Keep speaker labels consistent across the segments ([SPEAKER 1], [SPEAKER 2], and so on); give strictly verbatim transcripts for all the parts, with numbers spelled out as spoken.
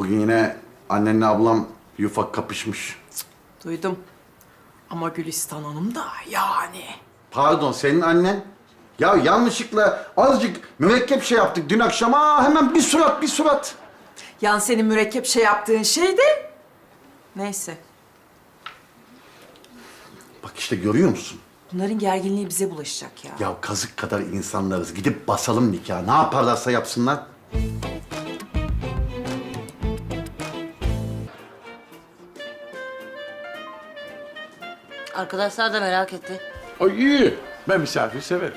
[SPEAKER 1] Bugün yine annenle ablam yufak kapışmış.
[SPEAKER 2] Duydum. Ama Gülistan Hanım da yani.
[SPEAKER 1] Pardon, senin annen? Ya yanlışlıkla azıcık mürekkep şey yaptık dün akşam. Aa, hemen bir surat, bir surat.
[SPEAKER 2] Yani senin mürekkep şey yaptığın şey de... Neyse.
[SPEAKER 1] Bak işte görüyor musun?
[SPEAKER 2] Bunların gerginliği bize bulaşacak ya.
[SPEAKER 1] Ya kazık kadar insanlarız. Gidip basalım nikahı. Ne yaparlarsa yapsınlar.
[SPEAKER 3] Arkadaşlar da merak etti.
[SPEAKER 4] Ay iyi. Ben misafir severim.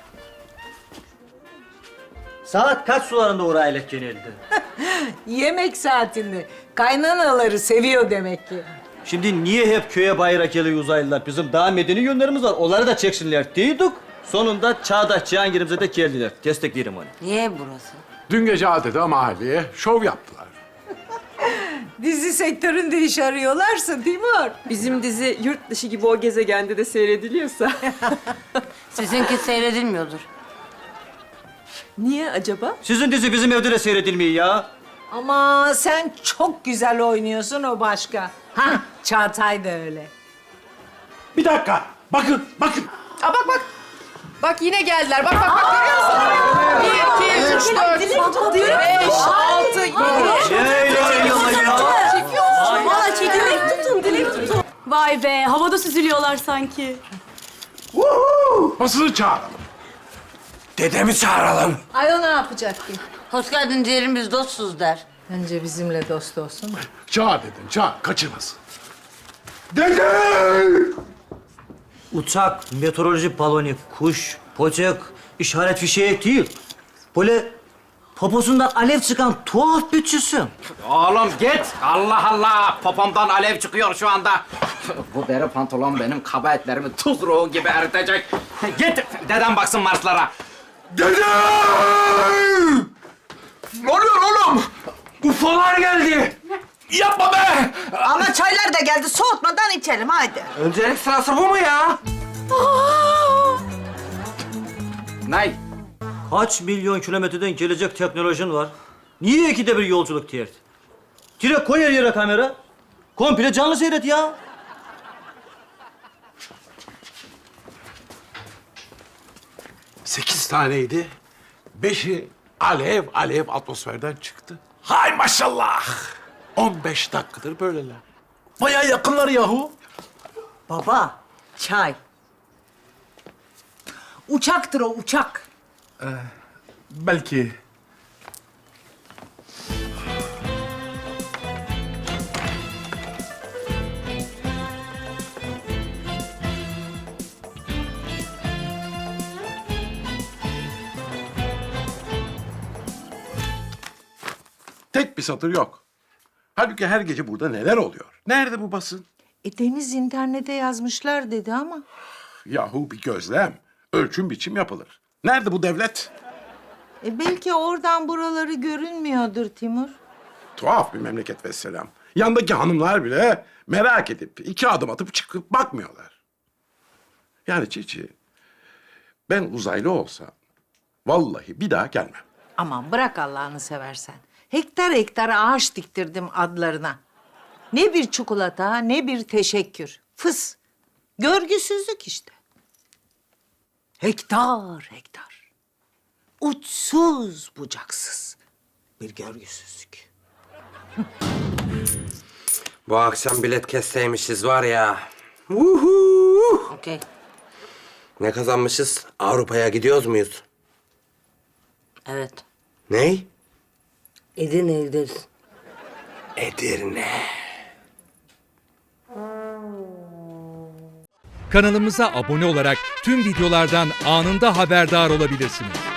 [SPEAKER 5] Saat kaç sularında uğrayla genelde?
[SPEAKER 6] Yemek saatinde. Kaynanaları seviyor demek ki.
[SPEAKER 5] Şimdi niye hep köye bayıra geliyor uzaylılar? Bizim daha medeni yönlerimiz var. Onları da çeksinler diyorduk. Sonunda Çağdaş Cihangir'imize de geldiler. Desteklerim onu.
[SPEAKER 3] Niye burası?
[SPEAKER 4] Dün gece Adeta mahalleye şov yaptılar.
[SPEAKER 6] Dizi sektöründe iş arıyorlarsa Timur.
[SPEAKER 2] Bizim dizi yurt dışı gibi o gezegende de seyrediliyorsa.
[SPEAKER 3] Sizinki seyredilmiyordur.
[SPEAKER 2] Niye acaba?
[SPEAKER 5] Sizin dizi bizim evde de seyredilmiyor ya.
[SPEAKER 6] Ama sen çok güzel oynuyorsun, o başka. Ha, Çağatay da öyle.
[SPEAKER 4] Bir dakika. Bakın, bakın.
[SPEAKER 2] Aa bak bak. Bak yine geldiler. Bak bak bak. Görüyor musun? Bir, iki, üç, dört, beş, altı, yedi.
[SPEAKER 7] Valla dilek tutun, dilek tutun. Vay be, havada süzülüyorlar sanki.
[SPEAKER 4] Basını çağıralım. Dedemi çağıralım.
[SPEAKER 6] Ay, o ne yapacak ki?
[SPEAKER 3] Hoş geldin diyelim, biz dostuz der.
[SPEAKER 6] Önce bizimle dost olsun.
[SPEAKER 4] Çağır dedim, çağır. Kaçırmasın. Dede!
[SPEAKER 5] Uçak, meteoroloji balonu, kuş, böcek, işaret fişeği değil. Böyle poposundan alev çıkan tuhaf bir cisim.
[SPEAKER 8] Oğlum git. Allah Allah. Popomdan alev çıkıyor şu anda. Bu deri pantolon benim kaba etlerimi tuz ruhu gibi eritecek. Git dedem baksın Marslara.
[SPEAKER 4] Dede! Ne oluyor oğlum? Ufolar geldi. Yapma be!
[SPEAKER 9] Ama çaylar da geldi. Soğutmadan içelim haydi.
[SPEAKER 8] Öncelik sırası bu mu ya? Ney?
[SPEAKER 5] Kaç milyon kilometreden gelecek teknolojin var? Niye ikide bir yolculuk dert? Direkt koy her yere kamera. Komple canlı seyret ya.
[SPEAKER 4] Sekiz taneydi. Beşi alev alev atmosferden çıktı. Hay maşallah. On beş dakikadır böyleler. Bayağı yakınlar yahu.
[SPEAKER 6] Baba, çay. Uçaktır o, uçak.
[SPEAKER 4] Belki. Tek bir satır yok. Halbuki her gece burada neler oluyor? Nerede bu basın?
[SPEAKER 6] E, Deniz internete yazmışlar dedi ama.
[SPEAKER 4] Yahu bir gözlem. Ölçüm biçim yapılır. Nerede bu devlet?
[SPEAKER 6] E, belki oradan buraları görünmüyordur Timur.
[SPEAKER 4] Tuhaf bir memleket vesselam. Yandaki hanımlar bile merak edip iki adım atıp çıkıp bakmıyorlar. Yani Çiçi, ben uzaylı olsam vallahi bir daha gelmem.
[SPEAKER 6] Aman bırak Allah'ını seversen. Hektar hektar ağaç diktirdim adlarına. Ne bir çikolata, ne bir teşekkür. Fıs. Görgüsüzlük işte. Hektar hektar. Uçsuz bucaksız bir görgüsüzlük.
[SPEAKER 8] Bu akşam bilet kesseymişiz var ya. Uhu!
[SPEAKER 3] Okey.
[SPEAKER 8] Ne kazanmışız? Avrupa'ya gidiyoruz muyuz?
[SPEAKER 3] Evet.
[SPEAKER 8] Ney?
[SPEAKER 3] Edirne'ye gideriz.
[SPEAKER 8] Edirne.
[SPEAKER 10] Kanalımıza abone olarak tüm videolardan anında haberdar olabilirsiniz.